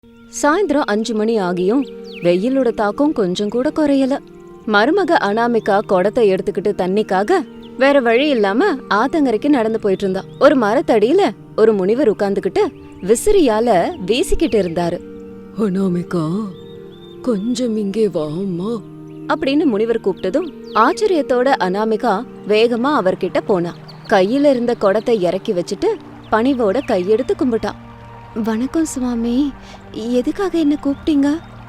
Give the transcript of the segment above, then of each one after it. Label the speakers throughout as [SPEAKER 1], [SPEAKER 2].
[SPEAKER 1] சாயந்தரம் 5 மணி ஆகியும் வெயிலோட தாக்கம் கொஞ்சம் கூட குறையல. மருமக அனாமிகா குடத்தை எடுத்துக்கிட்டு தண்ணிக்காக வேற வழி இல்லாம ஆத்தங்கரைக்கு நடந்து போயிட்டு இருந்தா. ஒரு மரத்தடியில ஒரு முனிவர் உட்கார்ந்துகிட்டு விசிறியால வீசிக்கிட்டு இருந்தாரு.
[SPEAKER 2] அனாமிகா, கொஞ்சம் இங்கே வாம்மா
[SPEAKER 1] அப்படின்னு முனிவர் கூப்பிட்டதும் ஆச்சரியத்தோட அனாமிகா வேகமா அவர்கிட்ட போனா. கையில இருந்த குடத்தை இறக்கி வச்சுட்டு பணிவோட கையெடுத்து கும்பிட்டான். வணக்கம் சுவாமி, எதுக்காக என்ன கூப்பிட்டீங்க?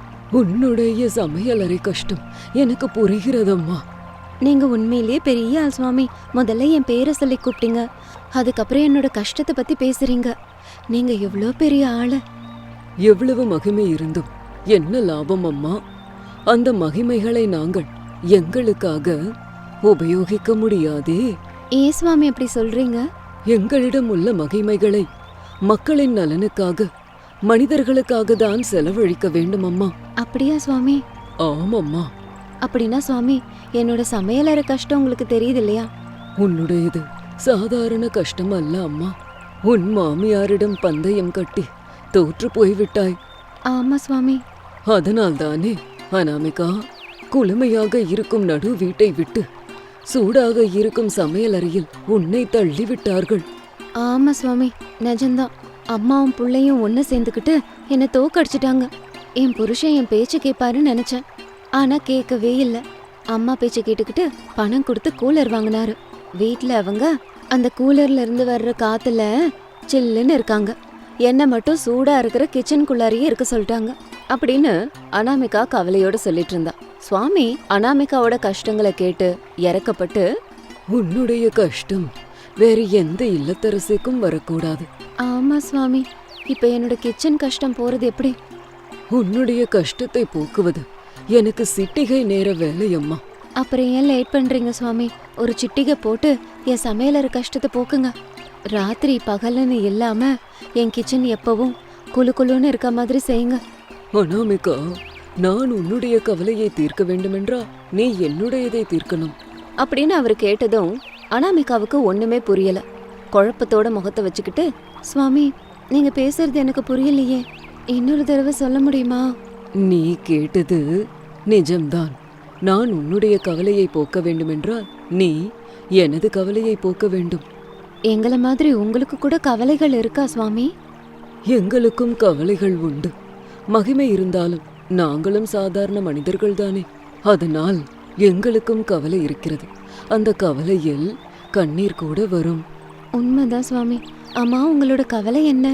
[SPEAKER 2] உன்னுடைய சமையலறை கஷ்டம் எனக்கு புரிகிறதம்மா.
[SPEAKER 1] நீங்க உண்மையிலேயே பெரிய ஆள் சுவாமி. முதல்ல என் பேரை சொல்லி கூப்பிட்டீங்க, அதுக்கப்புறம் என்னோட கஷ்டத்தை பத்தி பேசுறீங்க. நீங்க எவ்வளோ பெரிய ஆளு.
[SPEAKER 2] எவ்வளவு மகிமை இருந்தும் என்ன லாபம் அம்மா? அந்த மகிமைகளை நாங்கள் எங்களுக்காக உபயோகிக்க முடியாதே.
[SPEAKER 1] ஏன் சுவாமி அப்படி சொல்றீங்க?
[SPEAKER 2] எங்களிடம் உள்ள மகிமைகளை மக்களின் நலனுக்காக, மனிதர்களுக்காக தான் செலவழிக்க வேண்டும் அம்மா.
[SPEAKER 1] அப்படியா சுவாமி?
[SPEAKER 2] ஆமம்மா.
[SPEAKER 1] அப்படின்னா சுவாமி, என்னோட சமையலறை கஷ்டம் உங்களுக்கு தெரியுது இல்லையா?
[SPEAKER 2] உன்னுடையது சாதாரண கஷ்டம் அல்ல அம்மா. உன் மாமியாரிடம் பந்தயம் கட்டி தோற்று போய்விட்டாய்.
[SPEAKER 1] ஆமா சுவாமி.
[SPEAKER 2] அதனால்தானே அனாமிகா, குளுமையாக இருக்கும் நடு வீட்டை விட்டு சூடாக இருக்கும் சமையலறையில் உன்னை தள்ளிவிட்டார்கள்.
[SPEAKER 1] ஆமா சுவாமி, நிஜம்தான். அம்மாவும் பிள்ளையும் ஒன்னு சேர்ந்துக்கிட்டு என்னை தோக்கடிச்சிட்டாங்க. என் புருஷன் என் பேச்சு கேட்பாருன்னு நினைச்சேன், ஆனா கேட்கவே இல்ல. அம்மா பேச்சை கேட்டுக்கிட்டு பணம் கொடுத்து கூலர் வாங்கினாரு. வீட்டுல அவங்க அந்த கூலர்ல இருந்து வர்ற காத்துல சில்லுன்னு இருக்காங்க. என்ன மட்டும் சூடா இருக்கிற கிச்சனுக்குள்ளாரியே இருக்க சொல்லிட்டாங்க அப்படின்னு அனாமிகா கவலையோட சொல்லிட்டு இருந்தா. சுவாமி அனாமிகாவோட கஷ்டங்களை கேட்டு இறக்கப்பட்டு,
[SPEAKER 2] உன்னுடைய கஷ்டம் வேறு எந்த இல்லத்தரசிக்கும் வரக்கூடாது.
[SPEAKER 1] ஆமா சுவாமி, இப்ப என்னோட கிச்சன் கஷ்டம் போறது எப்படி?
[SPEAKER 2] உன்னுடைய கஷ்டத்தை போக்குவது எனக்கு சிட்டிகை நேர வேலையம்மா.
[SPEAKER 1] அப்புறம் ஏன் லேட் பண்றீங்க சுவாமி? ஒரு சிட்டிகை போட்டு என் சமையலற கஷ்டத்தை போக்குங்க. ராத்திரி பகல்னு இல்லாம என் கிச்சன் எப்பவும் குளு குளுன்னு இருக்க மாதிரி செய்யுங்க.
[SPEAKER 2] அனாமிகா, நான் உன்னுடைய கவலையை தீர்க்க வேண்டுமென்றா நீ என்னுடையதை தீர்க்கணும்
[SPEAKER 1] அப்படின்னு அவர் கேட்டதும் அனாமிகாவுக்கு ஒண்ணுமே புரியல. குழப்பத்தோட முகத்தை வச்சுக்கிட்டு, சுவாமி நீங்க பேசுறது எனக்கு புரியலையே, இன்னொரு தடவை சொல்ல முடியுமா?
[SPEAKER 2] நீ கேட்டது நிஜம்தான். நான் உன்னுடைய கவலையை போக்க வேண்டுமென்றால் நீ எனது கவலையை போக்க வேண்டும்.
[SPEAKER 1] எங்கள மாதிரி உங்களுக்கு கூட கவலைகள் இருக்கா சுவாமி?
[SPEAKER 2] எங்களுக்கும் கவலைகள் உண்டு. மகிமை இருந்தாலும் நாங்களும் சாதாரண மனிதர்கள் தானே. அதனால் எங்களுக்கும் கவலை இருக்கிறது. அந்த கவலையில் கண்ணீர் கூட வரும்.
[SPEAKER 1] உண்மைதான் சுவாமி. அம்மா, உங்களோட கவலை என்ன?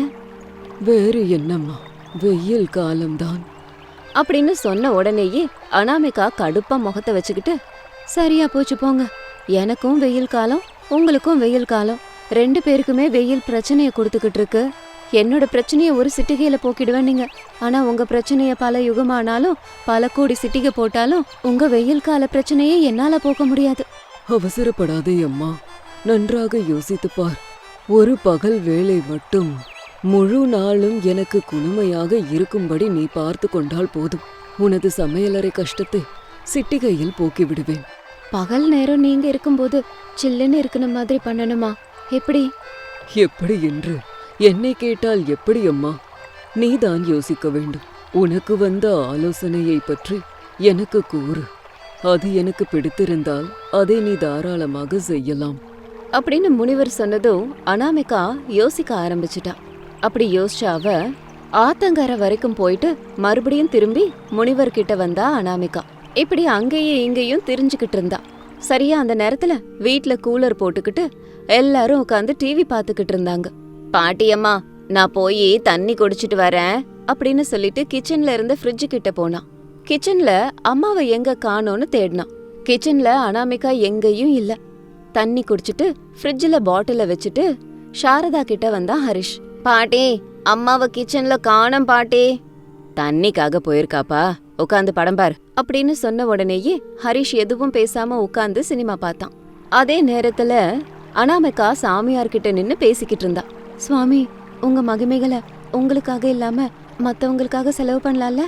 [SPEAKER 2] வேறு என்னம்மா, வெயில் காலம்தான்
[SPEAKER 1] அப்படின்னு சொன்ன உடனேயே அனாமிகா கடுப்பா முகத்தை வச்சுக்கிட்டு, சரியா போச்சு போங்க. எனக்கும் வெயில் காலம், உங்களுக்கும் வெயில் காலம். 2 பேருக்குமே வெயில் பிரச்சனைய கொடுத்துக்கிட்டு இருக்கு. என்னோட பிரச்சனைய ஒரு சிட்டிகையில போக்கிடுவேன் நீங்க. ஆனா உங்க பிரச்சனைய பல யுகமானாலும் பல கோடி சிட்டிகை போட்டாலும் உங்க வெயில் கால பிரச்சனையை என்னால போக்க முடியாது.
[SPEAKER 2] அவசரப்படாதே அம்மா, நன்றாக யோசித்து பார். ஒரு பகல் வேளை மட்டும் முழு நாளும் எனக்கு குளுமையாக இருக்கும்படி நீ பார்த்து கொண்டால் போதும். உனது சமையலறை கஷ்டத்தை சிட்டிகையில் போக்கிவிடுவேன்.
[SPEAKER 1] பகல் நேரம் நீங்க இருக்கும்போது சில்லுன்னு இருக்கிற மாதிரி பண்ணணுமா? எப்படி?
[SPEAKER 2] எப்படி என்று என்னை கேட்டால் எப்படி அம்மா? நீதான் யோசிக்க வேண்டும். உனக்கு வந்த ஆலோசனையை பற்றி எனக்கு கூறு. அது எனக்கு பிடித்திருந்தால் அதை நீ தாராளமாக செய்யலாம்
[SPEAKER 1] அப்படின்னு முனிவர் சொன்னதும் அனாமிகா யோசிக்க ஆரம்பிச்சிட்டா. அப்படி யோசிச்ச அவ ஆத்தங்கரை வரைக்கும் போயிட்டு மறுபடியும் திரும்பி முனிவர் கிட்ட வந்தா அனாமிகா. இப்படி அங்கேயும் இங்கேயும் திரிஞ்சுக்கிட்டு இருந்தா. சரியா அந்த நேரத்துல வீட்ல கூலர் போட்டுக்கிட்டு எல்லாரும் உட்காந்து டிவி பாத்துக்கிட்டு இருந்தாங்க. பாட்டியம்மா, நான் போய் தண்ணி குடிச்சிட்டு வரேன் அப்படின்னு சொல்லிட்டு கிச்சன்ல இருந்து ஃப்ரிட்ஜு கிட்ட போனா. கிச்சன்ல அம்மாவை எங்க காணோன்னு தேடினான். கிச்சன்ல அனாமிகா எங்கேயும் இல்ல. தண்ணி குடிச்சிட்டு ஃப்ரிட்ஜில் பாட்டில வச்சுட்டு சாரதா கிட்ட வந்தா ஹரிஷ். பாட்டி, அம்மாவை கிச்சன்ல காணோம் பாட்டி. தண்ணிக்காக போயிருக்காப்பா, உட்காந்து படம் பாரு அப்படின்னு சொன்ன உடனேயே ஹரிஷ் எதுவும் பேசாம உட்காந்து சினிமா பார்த்தான். அதே நேரத்துல அனாமிகா சாமியார் கிட்ட நின்னு பேசிக்கிட்டு இருந்தா. சுவாமி, உங்க மகிமைகளை உங்களுக்காக இல்லாம மத்தவங்களுக்காக செலவு பண்ணலாம்ல?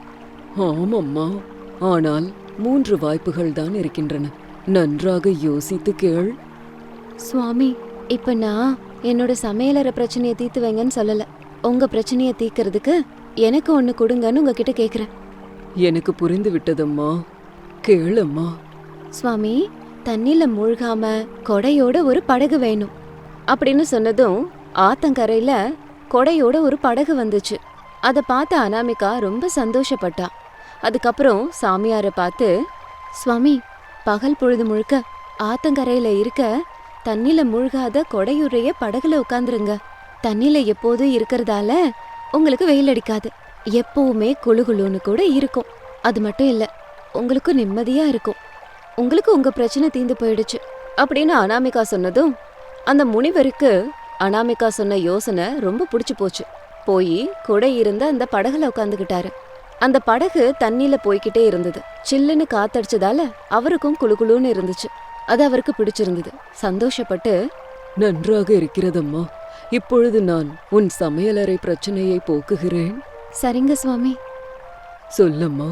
[SPEAKER 2] ஆமம்மா, ஆனால் 3 வாய்ப்புகள் தான் இருக்கின்றன. நன்றாக யோசித்து கேள்.
[SPEAKER 1] சுவாமி, இப்ப நான் என்னோட சமையலற பிரச்சனையை தீர்த்து வைங்கன்னு சொல்லல. உங்க பிரச்சனையை தீர்க்கறதுக்கு எனக்கு ஒண்ணு கொடுங்கன்னு உங்ககிட்ட கேக்குறேன்.
[SPEAKER 2] எனக்கு புரிந்து விட்டதம்மா, கேளம்மா.
[SPEAKER 1] சுவாமி, தண்ணில மூழ்காம கொடையோட ஒரு படகு வேணும் அப்படின்னு சொன்னதும் ஆத்தங்கரையில கொடையோட ஒரு படகு வந்துச்சு. அத பார்த்த அனாமிகா ரொம்ப சந்தோஷப்பட்டா. அதுக்கப்புறம் சாமியாரை பார்த்து, சுவாமி, பகல் பொழுது முழுக்க ஆத்தங்கரையில இருக்க தண்ணில மூழ்காத கொடையுடைய படகுல உட்காந்துருங்க. தண்ணில எப்போதும் இருக்கிறதால உங்களுக்கு வெயில் அடிக்காது, எப்பவுமே குளுகுளுன்னு கூட இருக்கும். அது மட்டும் இல்ல, உங்களுக்கும் நிம்மதியா இருக்கும். உங்களுக்கு உங்க பிரச்சனை தீந்து போயிடுச்சு அப்படின்னு அனாமிகா சொன்னதும் அந்த முனிவருக்கு அனாமிகா சொன்ன யோசனை ரொம்ப பிடிச்சு போச்சு. போய் கொடை இருந்த அந்த படகுல உட்காந்துக்கிட்டாரு. அந்த படகு தண்ணியில போய்கிட்டே இருந்தது. சில்லுன்னு காத்தடிச்சதால அவருக்கும் குளுகுளுன்னு இருந்துச்சு. அது அவருக்கு பிடிச்சிருந்தது. சந்தோஷப்பட்டு,
[SPEAKER 2] நன்றாக இருக்கிறதம்மா, இப்பொழுது நான் உன் சமையலறை பிரச்சனையை போக்குகிறேன்.
[SPEAKER 1] சரிங்க சுவாமி.
[SPEAKER 2] சொல்லம்மா,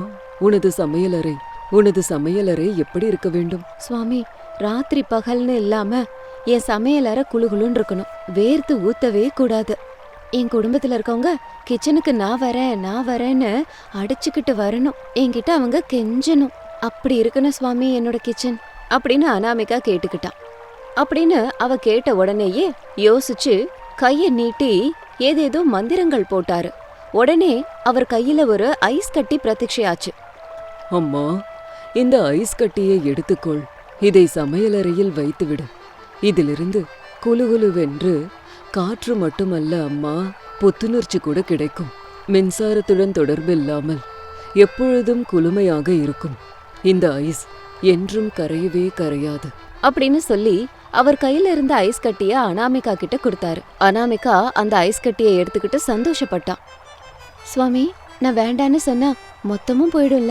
[SPEAKER 2] உனது சமையலறை எப்படி இருக்க வேண்டும்?
[SPEAKER 1] சுவாமி, ராத்திரி பகல்னு இல்லாம என் சமையலறை குளுகுளுன்னு இருக்கணும். வேர்த்து ஊத்தவே கூடாது. என் குடும்பத்துல இருக்கவங்க கிச்சனுக்கு நான் வரேன்னு அடிச்சுக்கிட்டு வரணும். என்கிட்ட அவங்க கெஞ்சணும். அப்படி இருக்கணும் சுவாமி என்னோட கிச்சன் அப்படின்னு அனாமிகா கேட்டுக்கிட்டான். அப்படின்னு அவ கேட்ட உடனேயே யோசிச்சு கைய நீட்டி ஏதேதோ மந்திரங்கள் போட்டாரு. உடனே அவர் கையில ஒரு ஐஸ் கட்டி பிரத்யட்சையாச்சு.
[SPEAKER 2] அம்மா, இந்த ஐஸ் கட்டியை எடுத்துக்கொள். இதை சமையலறையில் வைத்துவிடு. இதிலிருந்து குலுகுலுவென்று காற்று மட்டுமல்ல அம்மா, புத்துணர்ச்சி கூட கிடைக்கும். மின்சாரத்துடன் தொடர்பில்லாமல் எப்பொழுதும் குளுமையாக இருக்கும். இந்த ஐஸ் என்றும் கரையவே கரையாது
[SPEAKER 1] அப்படின்னு சொல்லி அவர் கையில இருந்த ஐஸ் கட்டிய அனாமிகா கிட்ட கொடுத்தாரு. அனாமிகா அந்த ஐஸ் கட்டியை எடுத்துக்கிட்டு சந்தோஷப்பட்டான். சுவாமி, நான் வேண்டான்னு சொன்னா மொத்தமும் போயிடும்ல?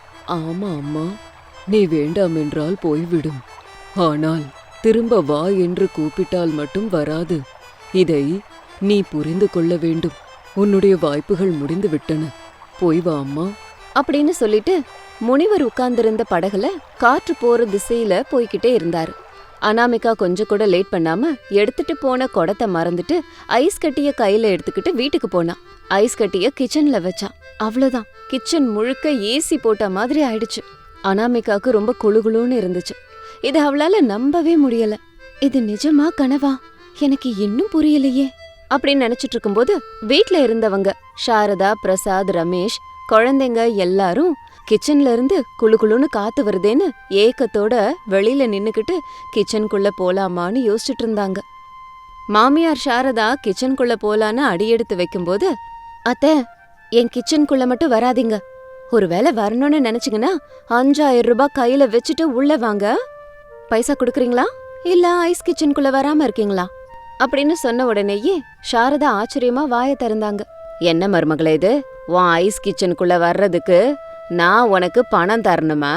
[SPEAKER 2] ஆமா அம்மா, நீ வேண்டாம் என்றால் போய்விடும். ஆனால் திரும்ப வா என்று கூப்பிட்டால் மட்டும் வராது. இதை நீ புரிந்து கொள்ள வேண்டும். உன்னுடைய வாய்ப்புகள் முடிந்து விட்டன. போய் வா அம்மா
[SPEAKER 1] அப்படின்னு சொல்லிட்டு முனிவர் உட்கார்ந்திருந்த படகுல காற்று போற திசையில போய்கிட்டே இருந்தாரு. அனாமிகா கொஞ்சம் கூட லேட் பண்ணாம எடுத்துட்டு போன குடத்தை மறந்துட்டு ஐஸ் கட்டிய கையில எடுத்துக்கிட்டு வீட்டுக்கு போனான். ஐஸ் கட்டிய கிச்சன்ல வச்சான். அவ்வளவுதான், கிச்சன் முழுக்க ஏசி போட்ட மாதிரி ஆயிடுச்சு. அனாமிகாவுக்கு ரொம்ப குளுகுளுன்னு இருந்துச்சு. இது அவளால நம்பவே முடியல. இது நிஜமா கனவா? எனக்கு இன்னும் புரியலையே அப்படின்னு நினைச்சிட்டு இருக்கும்போது வீட்ல இருந்தவங்க சாரதா, பிரசாத், ரமேஷ், குழந்தைங்க எல்லாரும் கிச்சன்ல இருந்து குளுகுளுன்னு காத்து வருதேன்னு ஏக்கத்தோட வெளியில நின்னுக்கிட்டு கிச்சனுக்குள்ள போலாமான்னு யோசிச்சுட்டு இருந்தாங்க. மாமியார் சாரதா கிச்சனுக்குள்ள போலான்னு அடியெடுத்து வைக்கும்போது, அத்தை, என் கிச்சனுக்குள்ள மட்டும் வராதீங்க. ஒருவேளை வரணும்னு நினைச்சீங்கன்னா 5000 ரூபாய் கையில வச்சுட்டு உள்ள வாங்க. பைசா கொடுக்குறீங்களா இல்ல ஐஸ் கிச்சனுக்குள்ள வராம இருக்கீங்களா அப்படின்னு சொன்ன உடனேயே சாரதா ஆச்சரியமா வாய திறந்தாங்க. என்ன மருமகளே இது, உன் ஐஸ் கிச்சனுக்குள்ள வர்றதுக்கு நான் உனக்கு பணம் தரணுமா?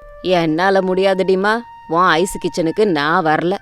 [SPEAKER 1] என்னால முடியாதுடிமா, உன் ஐஸ் கிச்சனுக்கு நான் வரல.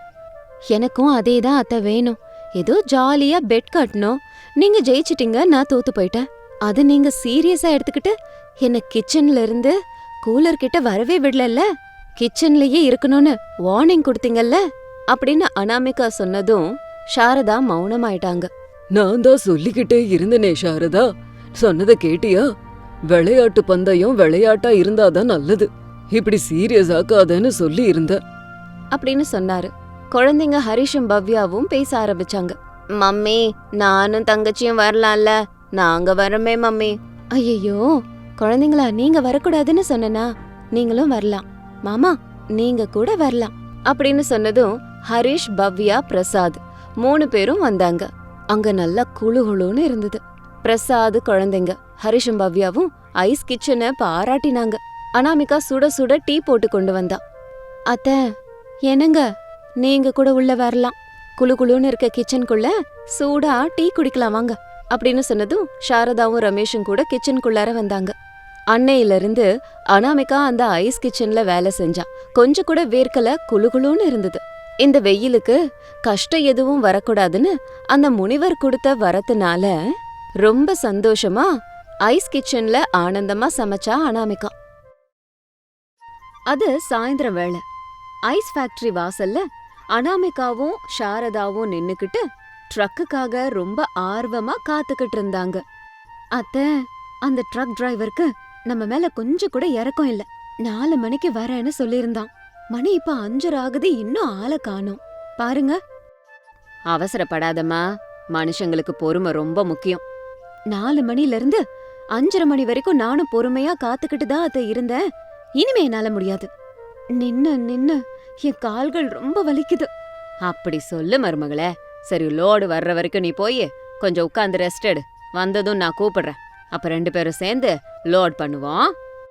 [SPEAKER 1] எனக்கும் அதேதான் அத்தை வேணும். ஏதோ ஜாலியா பெட் கட்டணும். நீங்க ஜெயிச்சிட்டீங்க, நான் தோத்து போயிட்டேன். அது நீங்க சீரியஸா எடுத்துக்கிட்டு என்ன கிச்சன்ல இருந்து கூலர் கிட்ட வரவே விடல. கிச்சன்லயே இருக்கணும்னு வார்னிங் கொடுத்தீங்கல்ல அப்படின்னு அனாமிகா சொன்னதும் சாரதா மௌனமாயிட்டாங்க.
[SPEAKER 2] நான் தான் சொல்லிக்கிட்டே இருந்தனே சாரதா, சொன்னதை கேட்டியா? விளையாட்டு பந்தயம் விளையாட்டா இருந்தாதான் நல்லது, இப்படி சீரியஸ் ஆக்காதன்னு சொல்லி இருந்த
[SPEAKER 1] அப்படின்னு சொன்னாரு. குழந்தைங்க ஹரிஷும் பவ்யாவும் பேச ஆரம்பிச்சாங்க. மம்மி, நானும் தங்கச்சியும் வரலாம்ல? நாங்க வரமே மம்மி. ஐயோ குழந்தைங்களா, நீங்க வரக்கூடாதுன்னு சொன்னா நீங்களும் வரலாம். மாமா, நீங்க கூட வரலாம் அப்படின்னு சொன்னதும் ஹரிஷ், பவ்யா, பிரசாத் 3 பேரும் வந்தாங்க. அங்க நல்லா குளுகுளுன்னு இருந்தது. பிரசாத், குழந்தைங்க, ஹரிஷும் பவ்யாவும் ஐஸ் கிச்சனை பாராட்டினாங்க. அனாமிகா சுட சுட டீ போட்டு கொண்டு வந்தா. அத்தை, என்னங்க, நீங்க கூட உள்ள வரலாம். குளுகுளுன்னு இருக்க கிச்சனுக்குள்ள சூடா டீ குடிக்கலாம் வாங்க அப்படின்னு சொன்னதும் சாரதாவும் ரமேஷும் கூட கிச்சனுக்குள்ளார வந்தாங்க. அன்னையிலிருந்து அனாமிகா அந்த ஐஸ் கிச்சன்ல வேலை செஞ்சா. கொஞ்சம் கூட வேர்க்கல, குளுகுளுன்னு இருந்தது. இந்த வெயிலுக்கு கஷ்டம் எதுவும் வரக்கூடாதுன்னு அந்த முனிவர் கொடுத்த வரத்துனால ரொம்ப சந்தோஷமா ஐஸ் கிச்சன்ல ஆனந்தமா சமைச்சா அனாமிகா. அது சாயந்தரம் வேளை. ஐஸ் ஃபேக்டரி வாசல்ல அனாமிகாவும் சாரதாவும் நின்னுக்கிட்டு ட்ரக்குக்காக ரொம்ப ஆர்வமா காத்துக்கிட்டு இருந்தாங்க. அத்தை, அந்த ட்ரக் டிரைவருக்கு நம்ம மேல கொஞ்சம் கூட இறக்கம் இல்ல. 4 மணிக்கு வரேன்னு சொல்லியிருந்தான். மணி இப்ப 5:30 ஆகுது, இன்னும் ஆளை காணோம். பாருங்க. அவசரப்படாதம்மா, மனுஷங்களுக்கு பொறுமை ரொம்ப முக்கியம். 4 மணில இருந்து 5:30 மணி வரைக்கும் நானும் பொறுமையா காத்துக்கிட்டு தான் அத்தை இருந்தேன். இனிமே என்னால முடியாது. நின்னு என் கால்கள் ரொம்ப வலிக்குது. அப்படி சொல்லு மருமகளே. சரி, லோடு வர்ற வரைக்கும் நீ போய் கொஞ்சம் உட்காந்து ரெஸ்ட் எடு. வந்ததும் நான் கூப்பிடுறேன். அப்ப 2 பேரும் சேர்ந்து லோட் பண்ணுவோம்.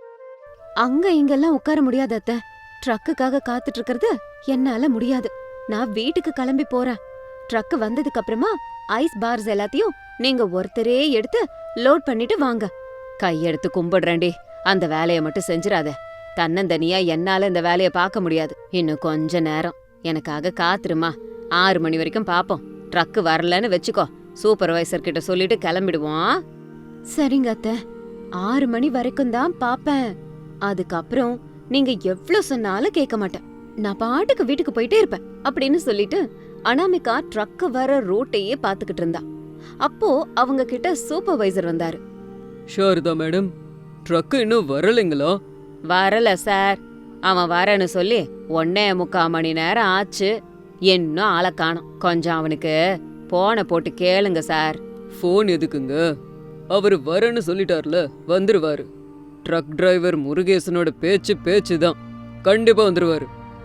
[SPEAKER 1] அங்க இங்கெல்லாம் உட்கார முடியாது அத்தை. ட்ரக்குக்காக காத்துட்டு இருக்கிறது என்னால முடியாது. நான் வீட்டுக்கு கிளம்பி போறேன். ட்ரக் வந்ததுக்கு அப்புறமா ஐஸ் பார்ஸ் எல்லாத்தையும் நீங்க ஒருத்தரே எடுத்து லோட் பண்ணிட்டு வாங்க. கையெடுத்து கும்பிடுறேன்டி, அந்த வேலையை மட்டும் செஞ்சிடாத. தன்னந்தனியா என்னால இந்த வேலையை பார்க்க முடியாது. இன்னும் கொஞ்ச நேரம் எனக்காக காத்துருமா. 6 மணி வரைக்கும் பாப்போம். ட்ரக் வரலன்னு வச்சுக்கோ, சூப்பர்வைசர் கிட்ட சொல்லிட்டு கிளம்பிடுவோம். சரிங்க அத்தை, 6 மணி வரைக்கும் தான் பாப்பேன். அதுக்கப்புறம் நீங்க எவ்வளவு சொன்னாலும் கேட்க மாட்டேன். நான் பாட்டுக்கு வீட்டுக்கு போயிட்டே இருப்பேன் அப்படின்னு சொல்லிட்டு அனாமிகா ட்ரக் வர ரூட்டையே பாத்துக்கிட்டு இருந்தா. அப்போ அவங்க கிட்ட சூப்பர்வைசர் வந்தாரு.
[SPEAKER 2] சாரதா மேடம், ட்ரக் இன்னும் வரலைங்களா?
[SPEAKER 1] வரல சார். அவன் வரேன்னு சொல்லி 1.25 மணி நேரம் ஆச்சு. இன்னும் ஆளை காணோம். கொஞ்சம் அவனுக்கு போனை போட்டு கேளுங்க சார்.
[SPEAKER 2] ஃபோன் எதுக்குங்க? அவரு வரேன்னு சொல்லிட்டார்ல, வந்துருவாரு. ட்ரக் டிரைவர் முருகேசனோட பேச்சு தான். கண்டிப்பா வந்துருவாரு.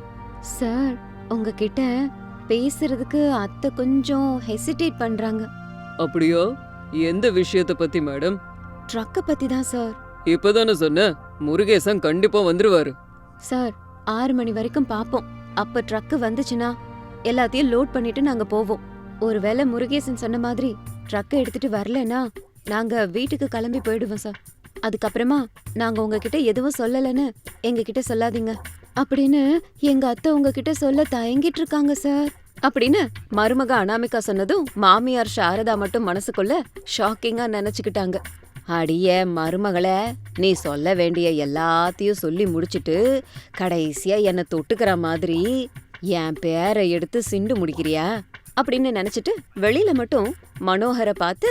[SPEAKER 1] சார், உங்ககிட்ட பேசுறதுக்கு அத்தை கொஞ்சம் ஹெசிடேட் பண்றாங்க.
[SPEAKER 2] அப்படியா? எந்த விஷயத்த பத்தி மேடம்?
[SPEAKER 1] ட்ரக்க பத்தி தான் சார்.
[SPEAKER 2] இப்பதானே சொன்ன, முருகேசன் கண்டிப்பா வந்துருவாரு.
[SPEAKER 1] சார், 6 மணி வரைக்கும் பாப்போம். அப்ப ட்ரக் வந்துச்சுன்னா எல்லாத்தையும் லோட் பண்ணிட்டு நாங்க போவோம். ஒருவேளை முருகேசன் சொன்ன மாதிரி ட்ரக்க எடுத்துட்டு வரலன்னா நாங்க வீட்டுக்கு கிளம்பி போயிடுவோம் சார். அதுக்கப்புறமா நாங்க உங்ககிட்ட எதுவும் சொல்லலன்னு எங்ககிட்ட சொல்லாதீங்க அப்படின்னு எங்க அத்தை உங்ககிட்ட சொல்ல தயங்கிட்டு இருக்காங்க சார் அப்படின்னு மருமக அனாமிகா சொன்னதும் மாமியார் சாரதா மட்டும் மனசுக்குள்ள ஷாக்கிங்கா நினைச்சுக்கிட்டாங்க. அடிய மருமகளே, நீ சொல்ல வேண்டிய எல்லாத்தையும் சொல்லி முடிச்சிட்டு கடைசியா என்னை தொட்டுக்கிற மாதிரி என் பேரை எடுத்து சிண்டு முடிக்கிறியா அப்படின்னு நினைச்சிட்டு வெளியில மட்டும் மனோகரை பார்த்து,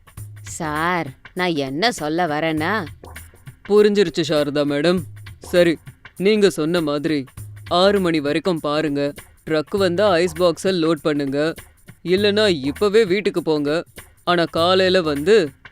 [SPEAKER 1] சார், நான் என்ன சொல்ல வரேன்னா.
[SPEAKER 2] புரிஞ்சிருச்சு சாரதா மேடம். சரி, நீங்க சொன்ன மாதிரி 6 மணி வரைக்கும் பாருங்க. ட்ரக் வந்தா ஐஸ் பாக்ஸை லோட் பண்ணுங்க. இல்லைன்னா இப்பவே வீட்டுக்கு போங்க. ஆனா காலையில வந்து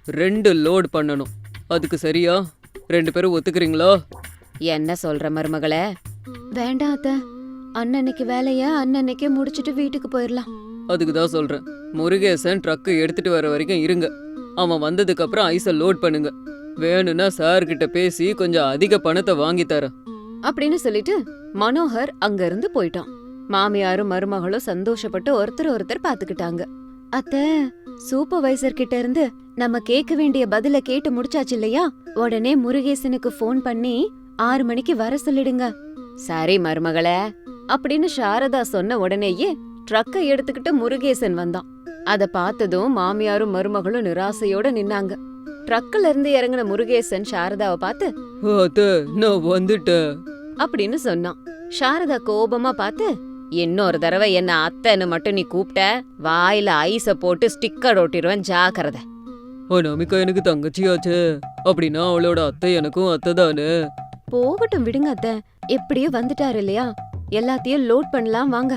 [SPEAKER 2] 2 லோட் பண்ணணும். அதுக்கு சரியா? 2 பேரும் ஒத்துக்கிறீங்களா?
[SPEAKER 1] என்ன சொல்ற மருமகளே? வேண்டாம் அத்தை, அன்னன்னைக்கு வேலைய அன்னன்னைக்கே முடிச்சிட்டு வீட்டுக்கு போயிடலாம்.
[SPEAKER 2] அதுக்கு தான் சொல்றேன், முருகேசன் ட்ரக் எடுத்துட்டு வர வரைக்கும் இருங்க. அவன் வந்ததுக்கு அப்புறம் ஐஸை லோட் பண்ணுங்க. வேணும்னா சார் கிட்ட பேசி கொஞ்சம் அதிக பணத்தை வாங்கி தரேன்
[SPEAKER 1] அப்படின்னு சொல்லிட்டு மனோகர் அங்க இருந்து போயிட்டான். மாமியாரும் மருமகளும் சந்தோஷப்பட்டு ஒருத்தர் பாத்துக்கிட்டாங்க. அத்தை, சூப்பர்வைசர் கிட்ட இருந்து நம்ம கேட்க வேண்டிய பதில கேட்டு முடிச்சாச்சு இல்லையா? உடனே முருகேசனுக்கு ஃபோன் பண்ணி 6 மணிக்கு வர சொல்லிடுங்க. சரி மருமகளே அப்படின்னு சாரதா சொன்ன உடனேயே ட்ரக்கை எடுத்துக்கிட்டு முருகேசன் வந்தான். அத பார்த்ததும் மாமியாரும் மருமகளும் நிராசையோட நின்னாங்க. ட்ரக்ல இருந்து இறங்கின முருகேசன் சாரதாவை பார்த்து,
[SPEAKER 2] அத்தை, நான் வந்துட்டேன்
[SPEAKER 1] அப்படின்னு சொன்னான். சாரதா கோபமா பார்த்து, இன்னொரு தடவை என்ன அத்தைன்னு மட்டும் நீ கூப்பிட்ட, வாயில ஐஸ போட்டு ஸ்டிக்கர் ஒட்டிடுவேன், ஜாக்கிரதை.
[SPEAKER 2] அனாமிகா எனக்கு தங்கச்சியாச்சே, அப்படின்னா அவளோட அத்தை எனக்கும் அத்தை தானே.
[SPEAKER 1] போகட்டும் விடுங்க அத்தை, எப்படியோ வந்துட்டாரு இல்லையா, எல்லாத்தையும் லோட் பண்ணலாம் வாங்க.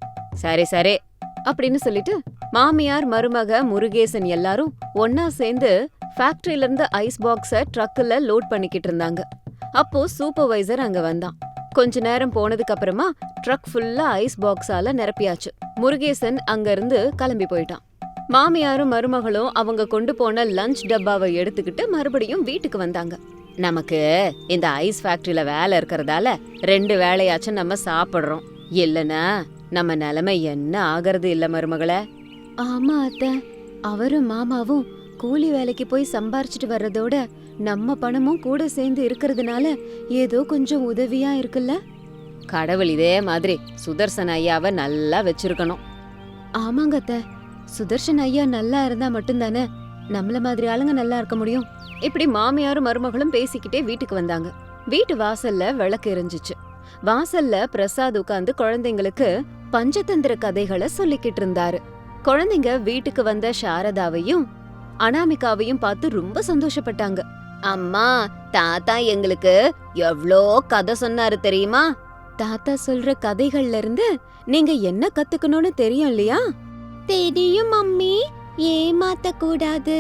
[SPEAKER 1] சரி சரி அப்படின்னு சொல்லிட்டு மாமியார் மருமக முருகேசன் எல்லாரும் ஒன்னா சேர்ந்து ஃபேக்டரியில இருந்து ஐஸ் பாக்ஸ ட்ரக்ல லோட் பண்ணிக்கிட்டு இருந்தாங்க. அப்போ சூப்பர்வைசர் அங்க வந்தான். கொஞ்ச நேரம் போனதுக்கு அப்புறமா ட்ரக் ஃபுல்லா ஐஸ் பாக்ஸால நிரப்பியாச்சு. முருகேசன் அங்க இருந்து கிளம்பி போயிட்டான். மாமியாரும் மருமகளும் அவங்க கொண்டு போன லஞ்ச் டப்பாவை எடுத்துக்கிட்டு மறுபடியும் வீட்டுக்கு வந்தாங்க. நமக்கு இந்த ஐஸ் ஃபேக்டரியில வேலை இருக்கறதால 2 வேளையாச்சும் நம்ம சாப்பிடுறோம். இல்லனா நம்ம நிலைமை என்ன ஆகிறது இல்ல மருமகளே? ஆமா அத்தை, அவரும் மாமாவும் கூலி வேலைக்கு போய் சம்பாரிச்சிட்டு வர்றதோட நம்ம பணமும் கூட சேர்ந்து இருக்கிறதுனால ஏதோ கொஞ்சம் உதவியா இருக்குல்ல. கடவுள் இதே மாதிரி சுதர்சன் ஐயாவை நல்லா வச்சிருக்கணும். ஆமாங்க அத்தை, சுதர்சன் ஐயா நல்லா இருந்தா மட்டும்தானே நம்மள மாதிரி ஆளுங்க நல்லா இருக்க முடியும். இப்படி மாமியாரும் மருமகளும் பேசிக்கிட்டே வீட்டுக்கு வந்தாங்க. வீட்டு வாசல்ல விளக்கு எரிஞ்சிச்சு. வாசல்ல பிரசாத் உட்கார்ந்து குழந்தைங்களுக்கு பஞ்சதந்திர கதைகளை சொல்லிக்கிட்டு இருந்தாரு. குழந்தைங்க வீட்டுக்கு வந்த சாரதாவையும் அனாமிகாவையும் பார்த்து ரொம்ப சந்தோஷப்பட்டாங்க. அம்மா, தாத்தா எங்களுக்கு எவ்ளோ கதை சொன்னாரு தெரியுமா? தாத்தா சொல்ற கதைகள்ல இருந்து நீங்க என்ன கத்துக்கணும்னு தெரியும் இல்லையா? தெரியும் மம்மி. ஏமாத்த கூடாது,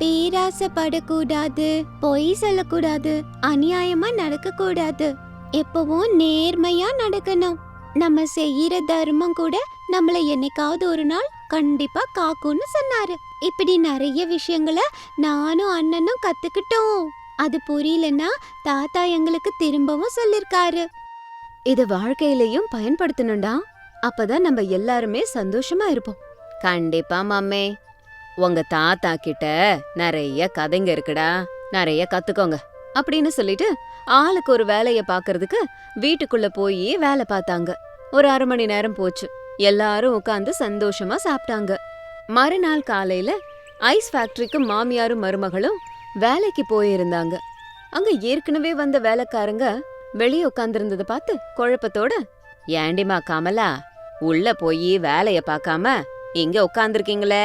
[SPEAKER 1] பேராசைப்படக்கூடாது, பொய் சொல்லக்கூடாது, அநியாயமா நடக்க கூடாது, எப்பவும் நேர்மையா நடக்கணும். நம்ம செய்யற தர்மம் கூட நம்மள என்னைக்காவது ஒரு நாள் கண்டிப்பா காக்கும்னு சொன்னாரு. இப்படி நிறைய விஷயங்களை நானும் அண்ணனும் கத்துக்கிட்டோம். அது புரியலன்னா தாத்தா எங்களுக்கு திரும்பவும் சொல்லிருக்காரு. இத வாழ்க்கையிலயும் பயன்படுத்தணும்டா. அப்பதான் நம்ம எல்லாருமே சந்தோஷமா இருப்போம். கண்டிப்பா மம்மே. உங்க தாத்தா கிட்ட நிறைய கதைங்க இருக்குடா, நிறைய கத்துக்கோங்க அப்படின்னு சொல்லிட்டு ஆளுக்கு ஒரு வேலைய பாக்குறதுக்கு வீட்டுக்குள்ள போய் வேலை பார்த்தாங்க. ஒரு 1/2 மணி நேரம் போச்சு. எல்லாரும் உட்கார்ந்து சந்தோஷமா சாப்பிட்டாங்க. மறுநாள் காலையில ஐஸ் ஃபேக்டரிக்கு மாமியாரும் மருமகளும் வேலைக்கு போயிருந்தாங்க. அங்க ஏற்கனவே வந்த வேலைக்காரங்க வெளியே உட்கார்ந்திருந்தத பார்த்து குழப்பத்தோட, ஏண்டிமா கமலா, உள்ள போய் வேலைய பார்க்காம இங்க உட்கார்ந்திருக்கீங்களே?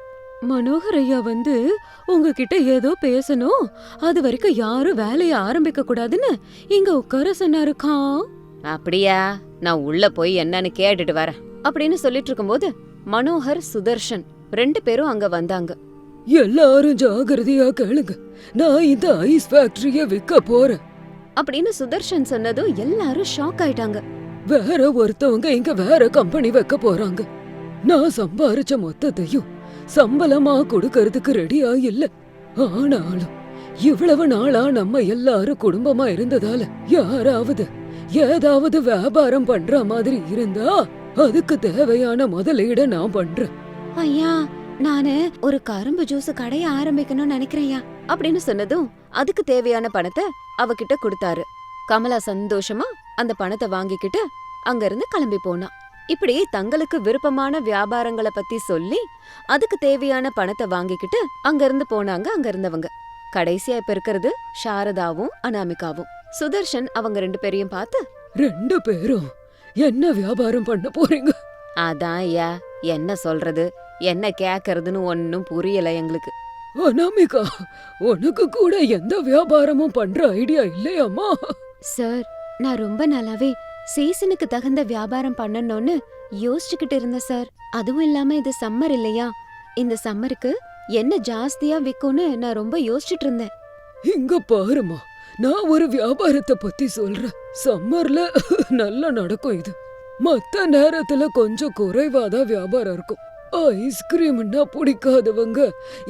[SPEAKER 2] மனோகர் ஐயா வந்து உங்ககிட்ட ஏதோ பேசணும், அது வரைக்கும் யாரும் வேலைய ஆரம்பிக்க கூடாதுன்னு இங்க உட்கார சொன்னாருக்கா.
[SPEAKER 1] அப்படியா? நான் உள்ள போய் என்னன்னு கேட்டுட்டு வரேன் அப்படின்னு சொல்லிட்டு இருக்கும்போது மனோகர், சுதர்ஷன் 2 பேரும் அங்க வந்தாங்க.
[SPEAKER 2] எல்லாரும் ஜாகிரதையா கேளுங்க, நான் இந்த ஐஸ் ஃபேக்டரிய விற்க போறேன்
[SPEAKER 1] அப்படின்னு சுதர்ஷன் சொன்னதும் எல்லாரும் ஷாக் ஆயிட்டாங்க.
[SPEAKER 2] வேற ஒருத்தவங்க இங்க வேற கம்பெனி வைக்க போறாங்க. நான் சம்பாரிச்ச மொத்தத்தையும் சம்பளமா கொடுக்கறதுக்கு ரெடியா இல்ல. ஆனாலும் இவ்வளவு நாளா நம்ம எல்லாரும் குடும்பமா இருந்ததால யாராவது ஏதாவது வியாபாரம் பண்ற மாதிரி இருந்தா அதுக்கு தேவையான முதலீட நான் பண்றேன்.
[SPEAKER 1] ஐயா, நானு ஒரு கரும்பு ஜூஸ் கடைய ஆரம்பிக்கணும்னு நினைக்கிறேன்யா அப்படின்னு சொன்னதும் அதுக்கு தேவையான பணத்தை அவகிட்ட கொடுத்தாரு. கமலா சந்தோஷமா அந்த பணத்தை வாங்கிக்கிட்டு அங்க இருந்து கிளம்பி போனா. இப்படி தங்களுக்கு விருப்பமான வியாபாரங்களை பத்தி சொல்லி அதுக்கு தேவையான பணத்தை வாங்கிக்கிட்டு அங்க இருந்து போனாங்க அங்க இருந்தவங்க. கடைசியா இப்ப இருக்கிறது சாரதாவும் அனாமிகாவும். சுதர்ஷன் அவங்க 2 பேரையும் பார்த்து,
[SPEAKER 2] 2 பேரும் என்ன வியாபாரம் பண்ண போறீங்க?
[SPEAKER 1] அதான் ஐயா, என்ன சொல்றது என்ன கேக்கறதுன்னு ஒன்னும் புரியல எங்களுக்கு.
[SPEAKER 2] அனாமிகா, உனக்கு கூட எந்த வியாபாரமும் பண்ற ஐடியா இல்லையாமா?
[SPEAKER 1] சார், நான் ரொம்ப நாளாவே சீசனுக்கு தகுந்த வியாபாரம் பண்ணணும்னு யோசிச்சுக்கிட்டு இருந்தேன் சார். அதுவும் இல்லாம இது சம்மர் இல்லையா, இந்த சம்மருக்கு என்ன ஜாஸ்தியா விக்கும்னு நான் ரொம்ப யோசிச்சுட்டு இருந்தேன்.
[SPEAKER 2] இங்க பாருமா, நான் ஒரு வியாபாரத்தை பத்தி சொல்றேன். சம்மர்ல நல்லா நடக்கும் இது. மத்த நேரத்துல கொஞ்சம் குறைவாதான் வியாபாரம் இருக்கும். ஐஸ்கிரீம்னா பிடிக்காதவங்க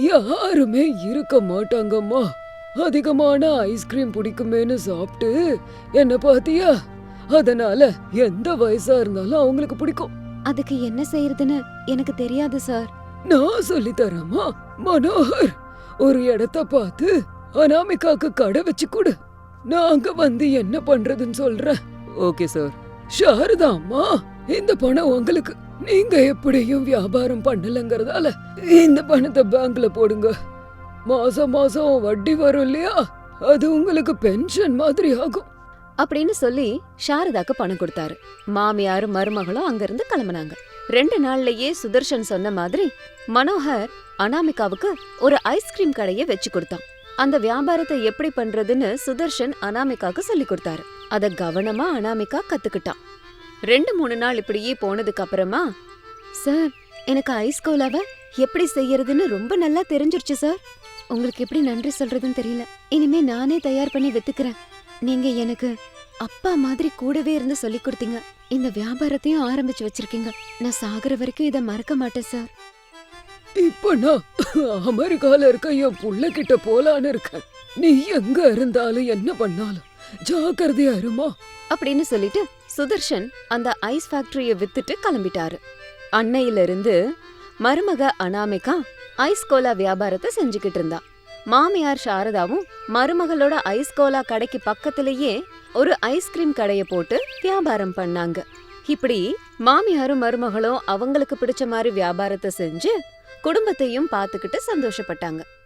[SPEAKER 2] யாருமே இருக்க மாட்டாங்கம்மா. அதிகமான ஐஸ்கிரீம் பிடிக்குமேன்னு சாப்பிட்டு என்ன பாத்தியா? அதனால எந்த வயசா இருந்தாலும் அவங்களுக்கு பிடிக்கும்.
[SPEAKER 1] அதுக்கு என்ன செய்யறதுன்னு எனக்கு தெரியாது சார்.
[SPEAKER 2] நான் சொல்லி தரேம்மா. மனோகர், ஒரு இடத்த பார்த்து அனாமிகாக்கு கடை வச்சு கொடு. நாங்க வந்து என்ன பண்றதுன்னு சொல்றேன். Okay sir. சாரதா அம்மா, இந்த பணம் உங்களுக்கு. நீங்க எப்படியும் வியாபாரம் பண்ணலங்கறதால இந்த பணத்தை பேங்க்ல போடுங்க. மாசம் மாசம் வட்டி வரும் இல்லையா, அது உங்களுக்கு பென்ஷன் மாதிரி ஆகும்
[SPEAKER 1] அப்படின்னு சொல்லி சாரதாக்கு பணம் கொடுத்தாரு. மாமியாரும் மருமகளும் அங்கிருந்து கிளம்புனாங்க. 2 நாள்லயே சுதர்ஷன் சொன்ன மாதிரி மனோகர் அனாமிகாவுக்கு ஒரு ஐஸ்கிரீம் கடையை வச்சு கொடுத்தான். அந்த வியாபாரத்தை எப்படி பண்றதுன்னு சுதர்ஷன் அனாமிகாக்கு சொல்லி கொடுத்தாரு. அத கவனமா அனாமிகா கத்துக்கிட்டான். 2-3 நாள் இப்படியே போனதுக்கு அப்புறமா, சார், எனக்கு ஐஸ் கோலாவை எப்படி செய்யறதுன்னு ரொம்ப நல்லா தெரிஞ்சிருச்சு சார். உங்களுக்கு எப்படி நன்றி சொல்றதுன்னு தெரியல. இனிமே நானே தயார் பண்ணி வித்துக்கிறேன். நீங்க எனக்கு அப்பா மாதிரி கூடவே இருந்து சொல்லி கொடுத்தீங்க. இந்த வியாபாரத்தையும் ஆரம்பிச்சு வச்சிருக்கீங்க. நான் சாகுற வரைக்கும் இத மறக்க மாட்டேன் சார்.
[SPEAKER 2] இப்ப நான் அமெரிக்கால இருக்க என் புள்ள கிட்ட போலான்னு இருக்கேன். நீ எங்க இருந்தாலும் என்ன பண்ணாலும் ஜாக்கிரதையா இருமா
[SPEAKER 1] அப்படின்னு சொல்லிட்டு சுதர்ஷன் அந்த ஐஸ் ஃபேக்டரிய வித்துட்டு கிளம்பிட்டாரு. அன்னையில இருந்து மருமக அனாமிகா ஐஸ் கோலா வியாபாரத்தை செஞ்சுக்கிட்டு இருந்தா. மாமியார் சாரதாவும் மருமகளோட ஐஸ் கோலா கடைக்கு பக்கத்திலேயே ஒரு ஐஸ்கிரீம் கடைய போட்டு வியாபாரம் பண்ணாங்க. இப்படி மாமியாரும் மருமகளும் அவங்களுக்கு பிடிச்ச மாதிரி வியாபாரத்தை செஞ்சு குடும்பத்தையும் பார்த்துக்கிட்டு சந்தோஷப்பட்டாங்க.